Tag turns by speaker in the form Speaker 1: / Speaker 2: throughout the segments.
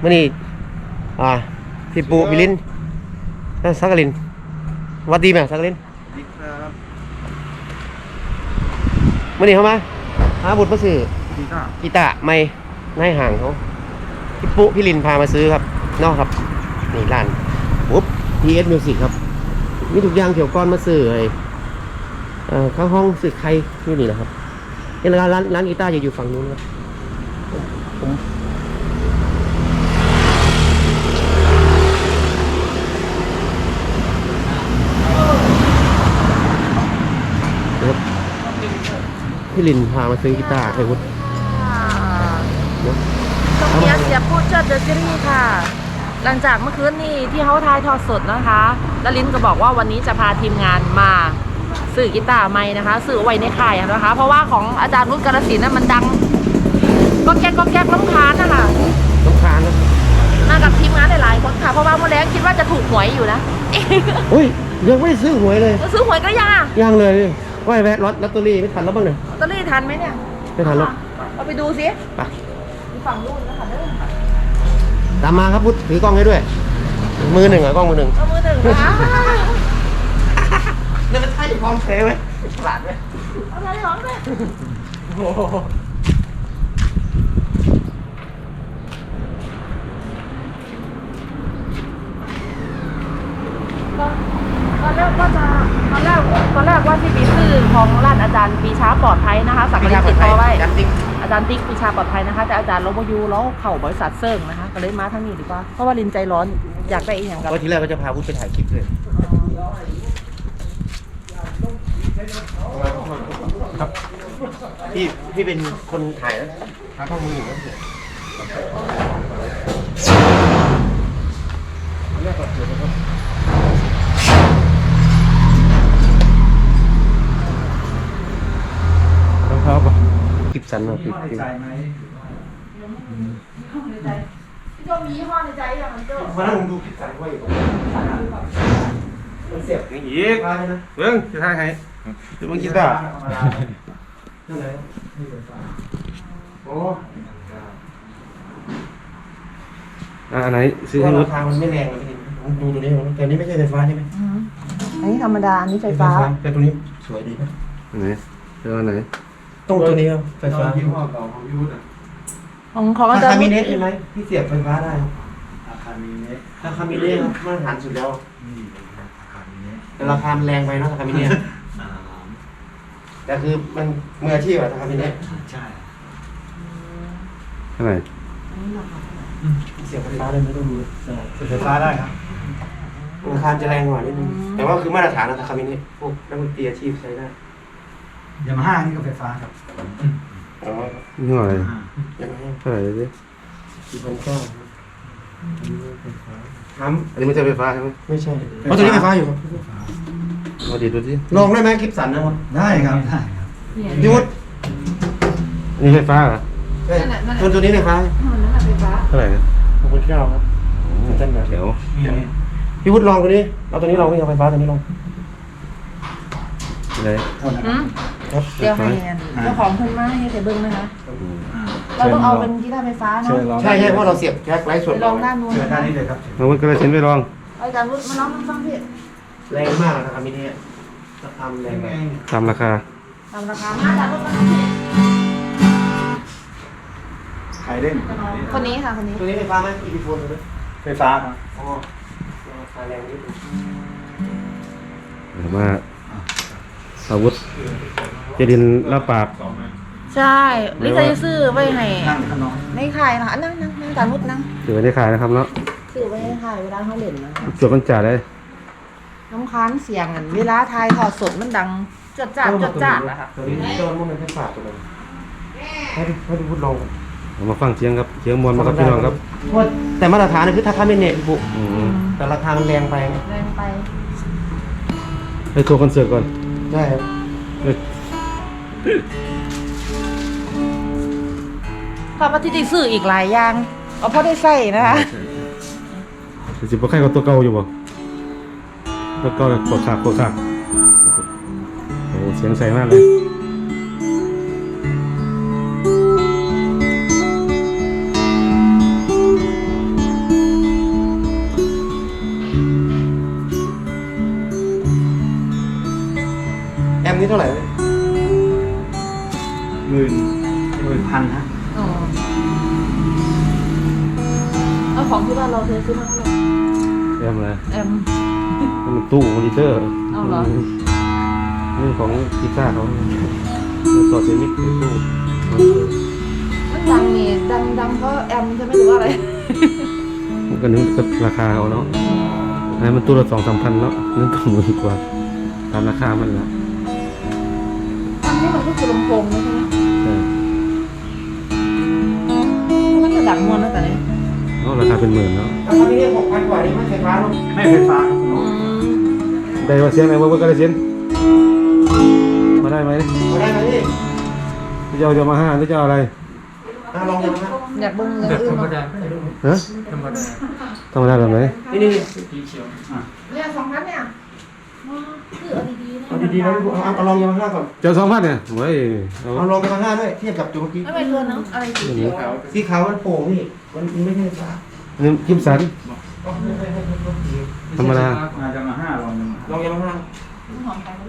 Speaker 1: มื่อนี้พี่ปูพี่ลินสักกลินวัดดีไหมสักกลิน
Speaker 2: ดีครับ
Speaker 1: มื่อนี้เข้ามาหาบุตรมาซื้อกีตาร์ไม่ให้ห่างเขาพี่ปูพี่ลินพามาซื้อครับนอกครับนี่ร้านปุ๊บ PS Music ครับมีทุกอย่างเกี่ยวก้อนมาซื้อเลยข้างห้องซื้อใครที่นี่นะครับนี่ร้านกีตาร์อยู่ฝั่งนู้นครับผมพี่ลินพามาซื้อกีตาร์ไอ้วุฒิ
Speaker 3: ต้องเสียพูดเชิดเดอะซีรีส์ค่ะหลังจากเมื่อคืนนี้ที่เขาทายทอดสดนะคะแล้วลินก็บอกว่าวันนี้จะพาทีมงานมาสื่อกีตาร์ใหม่นะคะสื่อไว้ในค่ายนะคะเพราะว่าของอาจารย์นุชกาฬสินธุ์นั้นมันดังก็แก๊กล้ำคาญนะคะ
Speaker 1: ล้ำคาญนะ
Speaker 3: มากับทีมงานหลายๆคนค่ะเพราะว่าเมื่อแรกคิดว่าจะถูกหวยอยู่นะ
Speaker 1: อุ้ยยังไม่ได้ซื้อหวยเลย
Speaker 3: ซื้อหวยก็ยัง
Speaker 1: เลยว่าแวะลอตเตอรี่ไม่ทันแล้วบ้างเนี่ย
Speaker 3: ลอตเตอรี่ทันไหมเนี่ย
Speaker 1: ไม่ทันแล้ว
Speaker 3: เราไปดูสิ
Speaker 1: ไป
Speaker 3: ฝั่งนู้นนะคะ
Speaker 1: ตามมาครับพุทธถือกล้องให้ด้วยมือหนึ่งกล้องมือหนึ่ง
Speaker 3: มือหนึ่งนะ
Speaker 1: นี่มันใช่ของแท้ไหมฉลาดไหม
Speaker 3: เอาอะไรร้องด้วยตอนแรกว่าที่มีชื่อของร้านอาจารย์ปีชาปลอดภัยนะคะสักการะติดต่อไว้อาจารย์ติ๊กปีชาปลอดภัยนะคะแต่อาจารย์ลบยูแล้วเข่าบริษัทเซิร์งนะคะก็เลยมาทั้งนี้ดีกว่าเพราะว่าลินใจร้อนอยากได้อีกอย่างกับ
Speaker 1: วันที่แรกก็จะพาพุทธไปถ่ายคลิปเลยครับพี่เป็นคนถ่ายนะถ่ายข้อมืออยู่นะแรกก่อนเดี๋ยวนะครับคลิปสั้นเนาะคลิป
Speaker 3: ใจไหมพี่โจมียี่ห้อในใจอย่างนั้นโจ
Speaker 1: มานั่งดูคลิปสั้นไว้มันเสียบอย่างนี้เบิ้งจะถ่ายให้จะมึงคิดได้นั่นเลยโอ้อันไหนซื้อให้ราคามันไม่แรงเลยดูตัวนี้แต่นี้ไม่ใช่ไฟฟ้าใช่ไหม
Speaker 3: อันนี้ธรรมดาอันนี้ไฟฟ้า
Speaker 1: แต่ตัวนี้สวยดีนะไหนเจอไหนต้องตัวนี้ครับไฟฟ้ายี่ห้อเก่าของพี่วุฒิ
Speaker 3: ของอาจารย์
Speaker 1: คามิเนสใช่ไหมพี่เสียบไฟฟ้าได้
Speaker 2: คามิเนส
Speaker 1: คามิเนสมาตรฐานสุดแล้วแต่ราคาแรงไปเนาะคามิเนสแต่คือมันมืออาชีพอะคามิเนส
Speaker 2: ใช่
Speaker 1: เท่าไหร่เสียบไฟฟ้าได้ไม่ต้องดู
Speaker 2: เสียบไฟฟ้าได้ครับ
Speaker 1: ราคาจะแรงกว่านิดนึงแต่ว่าคือมาตรฐานนะคามิเนสพวกนักดนตรีอาชีพใช้ได้
Speaker 2: ยามาฮ่านี่ก็ไฟฟ้าครับ
Speaker 1: นี่อะไรเท่าไหร่ดิ4,900อันนี้ไม่ใช่ไฟฟ้าใช่ไหมไม่ใช่เพราะตัวนี้ไฟฟ้าอยู่ครับมาดีดูสิลองได้ไหมคลิปสั่นนะครับ
Speaker 2: ได้ครับได้ครับ
Speaker 1: พี่วุฒินี่ไฟฟ้าเหรอใช่ตัวนี้ไฟฟ้าเท่าไหร่4,900ครับท่านนะเดี๋ยวพี่วุฒิลองตัวนี้เอาตัวนี้ลองไม่เอาไฟฟ้าตัวนี้ลองเลย
Speaker 3: เดี๋ยวให้เจ้าของเพิ่นมาให้เสเบิ้งนะคะเราต้องเอาเป็นกีตาร์ไฟฟ้าเนาะ
Speaker 1: ใช่เพราะเราเสียบแจ็คไร้ส่วน
Speaker 3: ลองด้านนู้น
Speaker 2: ด้านนี้เลยครับ
Speaker 1: เราก็เลยเซ็นไปลอง
Speaker 3: อาจารย์วุฒิมาลองฟังพี่
Speaker 1: แรงมากนะครับมินิราคาแรงตามราคา
Speaker 3: อาจารย์วุฒิมาลองพี่
Speaker 2: ใครเล่น
Speaker 3: คนนี้ค่ะคนนี้
Speaker 1: ตัวนี้ไฟฟ้าไหมอีพีโฟนเลย
Speaker 2: ไฟฟ้าครับ
Speaker 1: อ๋อราคาแรงนิดนึงมาอาวุธเจดินรับปาก
Speaker 3: ใช่ลิซ่าจะซื้อไว้ให้ในขายนะนั่งจานมุดนั่ง
Speaker 1: ซื้อไว้ในขายนะครับเนาะ
Speaker 3: ซื้อไว้ในขายเวลาเขาเล่นนะ
Speaker 1: จดมันจ่าได้
Speaker 3: น้ำค้างเสียงเวลาทายถอดสดมันดังจดจ่านะคะ
Speaker 1: ตัวนี้โดนมันเป็นแค่ปากตัวนึงให้ดูพูดลงมาฟังเสียงครับเสียงมวลมาครับพี่น้องครับแต่มาตรฐานคือถ้าค่าไม่เน็ตบุแต่ราคามันแรงไปไปทัวร์คอนเสิร์ตก่อนใช่ครับ
Speaker 3: พอมาที่ติซื้ออีกหลายอย่างเอาพอได้ใส่นะคะ
Speaker 1: สิบกว่าใครก็ตัวเก่าอยู่บ่ตัวเก่าเลยกดขาดโอ้เสียงใสมากเลยท่าไหร่
Speaker 2: 10,000ฮะ
Speaker 3: อ๋อเอาของที่บ้านเราเธอซื้อมาเท่าไหร่
Speaker 1: แอมอะไร
Speaker 3: แอม
Speaker 1: มันตู้มอนิเตอร์
Speaker 3: เอาเหรอ
Speaker 1: นี่ของกีตาร์เขาต่อเซมิกตู้
Speaker 3: มันดังนี่ดังเพราะแอมจะไม่รู้ว่าอะไร
Speaker 1: มันก็นึกกับราคาเขาเนาะอันนั้นมันตู้ละ2-3 พันเนาะนั่นต้องหมื่นกว่าตามราคามันละ
Speaker 3: อันนี้มันก็คือลำโพงนะใช่ไหม
Speaker 1: ใช่
Speaker 3: มันจะดังมวนนะแต่เนี่ย
Speaker 1: เพราะราคาเป็นหมื่นเนาะอันนี้6,000 กว่านี่ไม่ไฟฟ้าเนาะ
Speaker 2: ไม่ไฟฟ้าครับ
Speaker 1: ได้มาเสียงไหนว่าก็ได้เสียงมาได้ไหม
Speaker 4: มาได้ไหมพี่
Speaker 1: พี่จะเอามา5หรือจะเอาอะไร
Speaker 4: ลองดูนะ
Speaker 3: อยากเบิ่งอย่างอื่นเนาะ
Speaker 1: ฮะธรรมดาแบบไหน
Speaker 4: นี่
Speaker 3: เนี่ย2,000เนี่ยคือเอาดีๆนะ
Speaker 4: เอาดีๆนะพี่เอาลองยามาฮ่าก่อน
Speaker 1: เจ้า2,000เนี่ยเฮ้ยเอา
Speaker 4: เอาลองยามาฮ่าด้วยเทียบกับตัวเมื่อกี้
Speaker 3: ไม่เป็นเกินเนาะอะไรสีเขียว
Speaker 4: สีขาวมันโป่งพี่มันไม่ใช่ฟ้า
Speaker 1: นี่กิมสันธรรมดา
Speaker 2: จะมา5ลอง
Speaker 4: ลองยามาฮ่า
Speaker 3: หอมไปไหม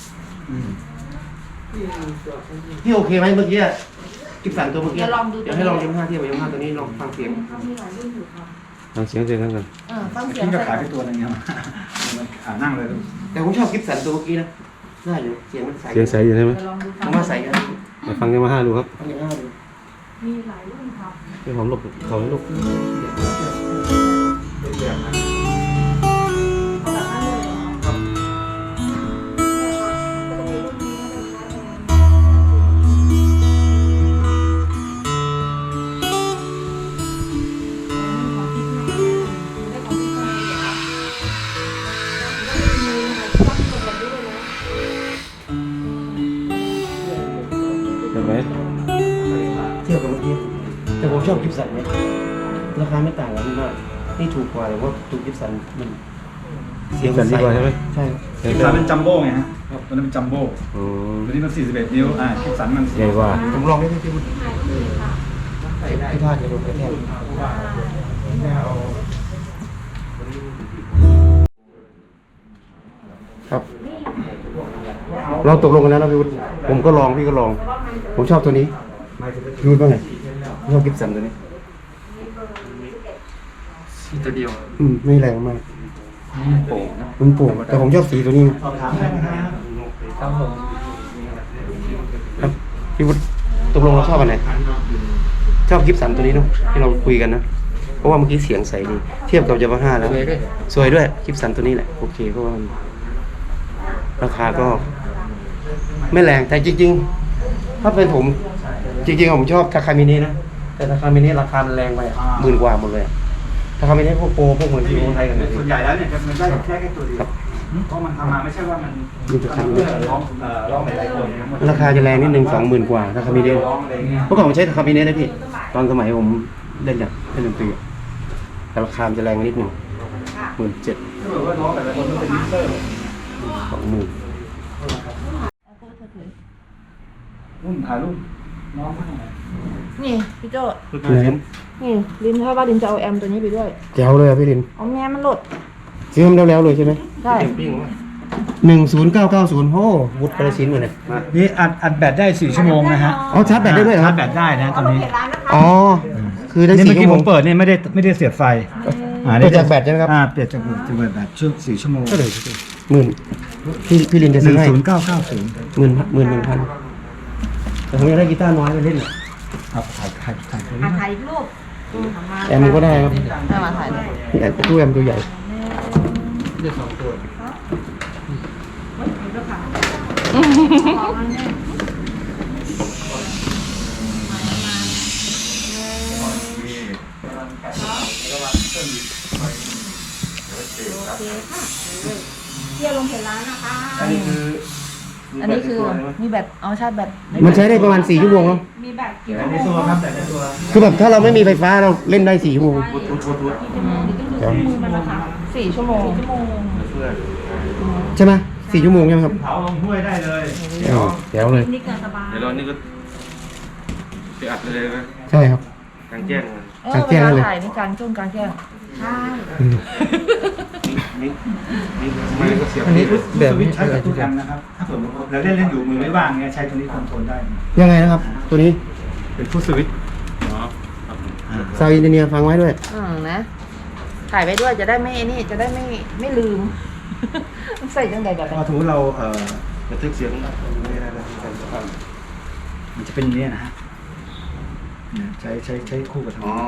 Speaker 4: พี่โอเคไหมเมื่อกี้กิบสันตัวเมื่อกี้เดี๋ยวให้ลองยามาฮ่าเทียบกับยามาฮ่าตัวนี้ลองฟังเสียง
Speaker 1: ฟังเสียงกัน
Speaker 3: ฟังเสียง
Speaker 2: พี่ก็ขายไปตัวนึงเนี่ยมันนั่งเลย
Speaker 4: แต่ผมชอบกิบสันตัวเมื่อกี้นะได้อยู่เสียงมันใส
Speaker 1: เสียงใสอยู่ใช่ไหม
Speaker 3: ลองดู
Speaker 4: ผมว่าใสกัน
Speaker 1: ไปฟังกันมา5ดูครับ
Speaker 4: ฟังยามาฮ่าดู
Speaker 3: มีหลายรุ่นครับ
Speaker 1: เดี๋ยวผมหลบเขาให้หลบ เห็นไหม
Speaker 4: เทียบกับเมื่อกี้แต่ผมชอบกิบสันเนี่ยราคาไม่ต่างกันมากนี่ถูกกว่าแต่ว่าตัวกิบสันมันเสียง
Speaker 1: สันดีกว่าใช่ไหม
Speaker 4: ใช่
Speaker 2: คิปสันเป็นจัมโบ้ไงฮะตัวนั้นเป็นจัมโบ้
Speaker 1: อ๋อ
Speaker 2: ตัวนี้มัน41 นิ้วคิปสันมัน
Speaker 1: ใหญ่กว่า
Speaker 4: ผมลองไม่ได้ที่มันที่ท่าจะโดนกระแทก
Speaker 1: ครับเราตกลงกันแล้วนะพี่วุฒิผมก็ลองพี่ก็ลอง ผมชอบตัวนี้พี่วุฒิว่าไงชอบกิฟสันตัวนี้
Speaker 2: ตัวเดียว
Speaker 1: ไม่แรงมาก
Speaker 2: โป่งนะ
Speaker 1: มันโปร่งแต่ผมชอบสีตัวนี้
Speaker 2: สอบถามได้ไหมครับผม
Speaker 1: ครับพี่วุฒิตกลงเราชอบอันไหนชอบกิฟสันตัวนี้เนาะที่เราคุยกันนะเพราะว่าเมื่อกี้เสียงใสดีเทียบกับยามาฮ่าแล้วสวยด้วยกิฟสันตัวนี้แหละโอเคเพราะว่าราคาก็ ไม่แรงแต่จริงๆถ้าเป็นผมจริงๆผมชอบทาคามิเนะนะแต่ทาคามิเนะราคามันแรงไป10,000 กว่าหมดเลยทาคามิเนะพวกโปรพวกเหมือนที่คนไทยกันเนี่ย
Speaker 2: ส่วนใหญ่แล้วเนี่ยมันได้แค่ตัวเดียวเพราะมันทำมาไม่ใช่ว่ามันร้องหลายคน
Speaker 1: ราคาจะแรงนิดนึง20,000 กว่าทาคามิเนะ
Speaker 2: ร้องอะไรเงี้ย
Speaker 1: เมื่อก่อนผมใช้ทาคามิเนะนะพี่ตอนสมัยผมเล่นเนี่ยเล่นดนตรีอะแต่ราคามันจะแรงนิดนึง17,000
Speaker 2: ถ้าเกิดว่าร้องแต่ละคนมันเป็นมิกเซอร์
Speaker 1: 20,000
Speaker 2: รุ่นถ่ายรูปน้องเขาหน่อย
Speaker 3: นี่พี่โจ้
Speaker 1: ลิ้น
Speaker 3: นี่ลินถ้าว่าลินจะเอาแอมตัวนี้ไปด้วย
Speaker 1: แจ๋วเลยอะพี่ลิน
Speaker 3: เอาแม่มันหลด
Speaker 1: ซื้อมาแล้วเลยใช่ไหม
Speaker 3: ใช่
Speaker 1: 10990โอ้วุฒิกระสินเหมือนเนี่ย
Speaker 2: นี่อัดแบตได้4 ชั่วโมงนะฮะ
Speaker 1: อ๋อชาร์จแบตได้ด้วยเหรอ
Speaker 2: ชาร์จแบตได้นะตอนนี้
Speaker 1: อ๋อคือได้
Speaker 2: นี่
Speaker 1: 4
Speaker 2: เมื่อ
Speaker 1: ชั่
Speaker 2: กี้
Speaker 1: วโม
Speaker 2: ผ
Speaker 1: ง
Speaker 2: มเปิดนี่ไม่ได้เสียบไฟ
Speaker 1: เปิดจากแบตใช่ไหมครับ
Speaker 2: เปลี่ยนจากแบตช่วง4 ชั่วโมง
Speaker 1: ก็เลยพี่ลินจะซื้อให้
Speaker 2: 10990
Speaker 1: 11,000แต่ผมอยากได้กีตาร์น้อยไปเล่นอ่ะ
Speaker 2: ครับถ่ายตัวนี้
Speaker 3: ถ่ายรูป
Speaker 1: แอมก็ได้ครับ
Speaker 3: ให้มาถ่ายด้วย
Speaker 1: นี่แอมตู้แอมตัวใหญ่
Speaker 3: เที่ยวลงเพจร้านนะคะ
Speaker 1: อันนี้คือ
Speaker 3: มีแบตเอาชาร์จแบต
Speaker 1: มันใช้ได้ประมาณ4 ชั่วโมงเนาะ
Speaker 3: มีแบตกี่
Speaker 2: ในตัวครับแต่ในตัว
Speaker 1: คือแบบถ้าเราไม่มีไฟฟ้าเราเล่นได้4 ชั่วโมง
Speaker 3: 4 ชั่วโมง
Speaker 1: ใช่ไหม4 ชั่วโมงใช่ไหมครับ
Speaker 2: เผาลงห้วยได้เลย
Speaker 1: แจ๋วเลย
Speaker 3: นี่เกินสบาย
Speaker 5: เดี๋ยวเรานี่ก็ไปอัดเลยนะ
Speaker 1: ใช่ครับ
Speaker 5: กลางแจ้งเลย
Speaker 3: เวลาถ่ายนี่กลางช่วงกลางแจ้งใช่
Speaker 2: อันนี้แบบนี้ใช้กับทุกแอมนะครับ ถ้าเกิดเราเล่นอยู่มือไม่ว่างเงี้ยใช้ตัวนี้คอนโทรลได้
Speaker 1: ยังไงนะครับ ตัวนี้
Speaker 2: เป็นฟุตสวิตช์
Speaker 1: ซาวอินเจเนียร์ฟังไว้ด้วย
Speaker 3: นะถ่ายไว้ด้วยจะได้ไม่นี่จะได้ไม่ลืม ใส่จังใดแบบ
Speaker 2: พอสมมติเรา
Speaker 1: บันทึกเสียง
Speaker 2: มันจะเป็นอย่างนี้นะฮะเนี่ยใช้คู่กับทางนี้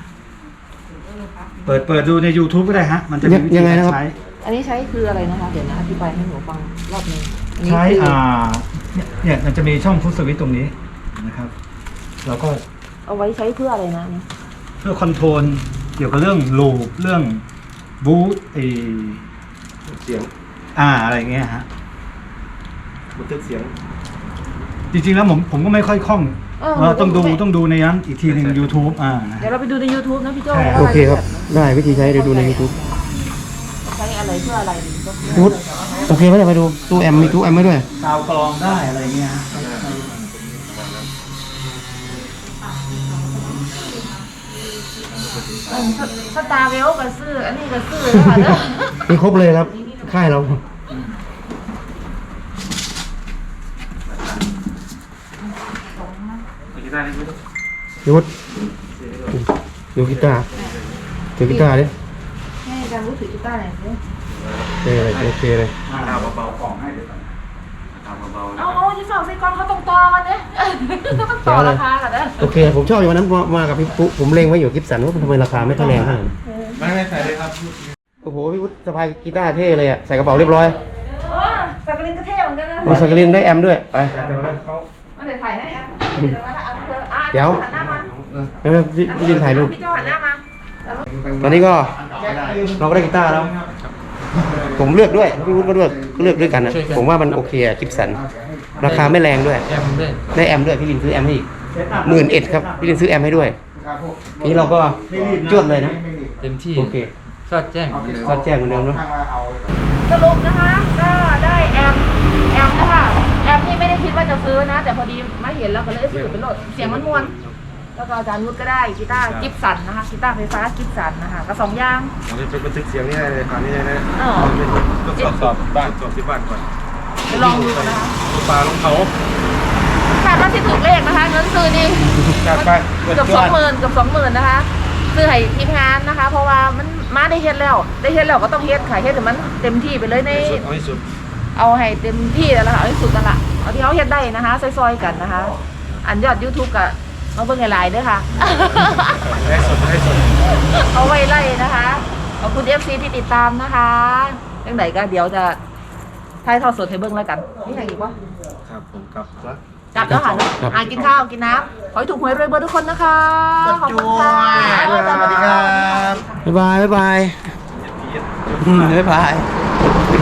Speaker 2: เปิดดูใน YouTube ก็ได้ฮะมันจะมีวิธีการใช้
Speaker 3: อันนี้ใช้คืออะไรนะคะเดี๋ยวนะอธิบายให้หนูฟังรอบนึงอันนี้
Speaker 2: ใช้
Speaker 3: คือ
Speaker 2: เนี่ยมันจะมีช่องฟุตสวิตช์ตรงนี้นะครับเราก็
Speaker 3: เอาไว้ใช้เพื่ออะไรนะนี่
Speaker 2: เพื่อคอนโทรลเกี่ยวกับเรื่องลูปเรื่องบูท
Speaker 1: เสียง
Speaker 2: อะไรเงี้ยฮะ
Speaker 1: บันทึกเสียง
Speaker 2: จริงๆแล้วผมก็ไม่ค่อยคล่องต้องดูในนั้นอีกทีหนึ่ง YouTube
Speaker 3: เดี๋ยวเราไปดูใน YouTube นะพี่โจ้
Speaker 1: โอเคครับ ได้วิธีใช้เดี๋ยวดูใน YouTube
Speaker 3: ใช้อะไรเพื่ออะไรดีก็
Speaker 1: พุทโอเคไหมเนี่ยไปดูตู้แอมมีตู้แอมไว้ด้วย
Speaker 2: ซาวกลองได้อะไรเงี้ยฮะ
Speaker 3: สตาร์เวลก็ซื้ออันนี้ก็ซื้อแล้วค่ะเด้อ
Speaker 1: มีครบเลยครับ ค่ายเรายุทธดูกีตาร์ถือกีตาร์ดิ
Speaker 3: ให้อาจารย์รู้ถือกีตาร์หน่อยสิ
Speaker 1: โอเคเลย
Speaker 2: เบาๆกล่องให้เดี๋ยวก่อน
Speaker 3: เอาที่ฝั่งไส้กรองเขาต้องต่อกันเนี่ยต้องต่อราคากันเด้อ
Speaker 1: โอเค ผมชอบอยู่วันนั้นมากับพี่ปุ๊ผมเล็งไว้อยู่กิฟสันว่าทำไมราคาไม่เท่าแรงขนาดนั้น
Speaker 2: ไม่ใส่เลยครับ
Speaker 1: โอ้โหพี่วุฒิสะพายกีตาร์เท่เลยอ่ะใส่กระเป๋าเรียบร้อย
Speaker 3: สักกลินก็เท่เหมือนกันนะ
Speaker 1: มีสกรีนได้แอมด้วยไป
Speaker 3: มาเดี๋ยวถ่ายให้อ่ะเดี๋ยว
Speaker 1: เดี๋ยว
Speaker 3: หันหน้ามา
Speaker 1: ไม่พี่ดินถ่ายรูป
Speaker 3: พี่โจ้หันหน้ามา
Speaker 1: ตอนนี้ก็เราก็ได้กีตาร์แล้ว ผมเลือกด้วยพี่วุฒิก็เลือกด้วยกันนะผมว่ามันโอเคอะกิฟสันราคาไม่แรงด้วยได้แอมด้วยพี่ลินซื้อแอมให้อีก11,000ครับพี่ลินซื้อแอมให้ด้วยนี่เราก็จวดเลยนะ
Speaker 5: เต็มที่
Speaker 1: โอเค
Speaker 5: สอดแจ้ง
Speaker 1: ก็แจ้งเหมือนเดิมเนาะ
Speaker 3: สรุปนะคะก็ได้แอมนะคะแอมนี่ไม่ได้คิดว่าจะซื้อนะ แต่พอดีมาเห็นแล้วก็เลยซื้อเป็นรถเสียงมันมวนแล้วก็อาจารย์นุชก็ได้กีตาร์กิฟสันนะคะกีตาร์ไฟฟ้ากิฟสันนะคะก็2อย่าง
Speaker 1: เราจะเป็นบันทึกเสียงนี่ได้เลยตอนนี้เลยนะ
Speaker 3: ก็
Speaker 1: สอบบ้านสอบที่บ้านก่อน
Speaker 3: ไปลองดูนะคะ
Speaker 1: ปลาลงเขา
Speaker 3: คาดว่าที่ถูกเลขนะคะเงินซื้อนี่
Speaker 1: จัดไป
Speaker 3: เกือบ20,000นะคะซื้อให้ทีมงานนะคะ เพราะว่ามันมาได้เฮ็ดแล้วก็ต้องเฮ็ดขายเฮ็ดแต่มันเต็มที่ไปเลยใน
Speaker 1: เอาให้สุด
Speaker 3: เอาให้เต็มที่แล้วนะคะเอาให้สุดนั่นแหละเอาที่เขาเฮ็ดได้นะคะซอยๆกันนะคะ อันยอด YouTube กับมาเบิ่งหลายๆด้วยค่ะ
Speaker 1: ให้สุด
Speaker 3: เอาไว้ไล่นะคะขอบคุณ FC ที่ติดตามนะคะยังไงก็เดี๋ยวจะถ่ายทอดสดให้เบิ่งแล้วกันนี่อย่างอีกวะ
Speaker 1: ครับผมกลับแล้ว
Speaker 3: กลับแล้วค่ะกินข้าวกินน้ำขอให้ถูกหวยรวยเบอร์ทุกคนนะคะขอบคุณค่ะ
Speaker 1: สวัสดีครับบ๊ายบาย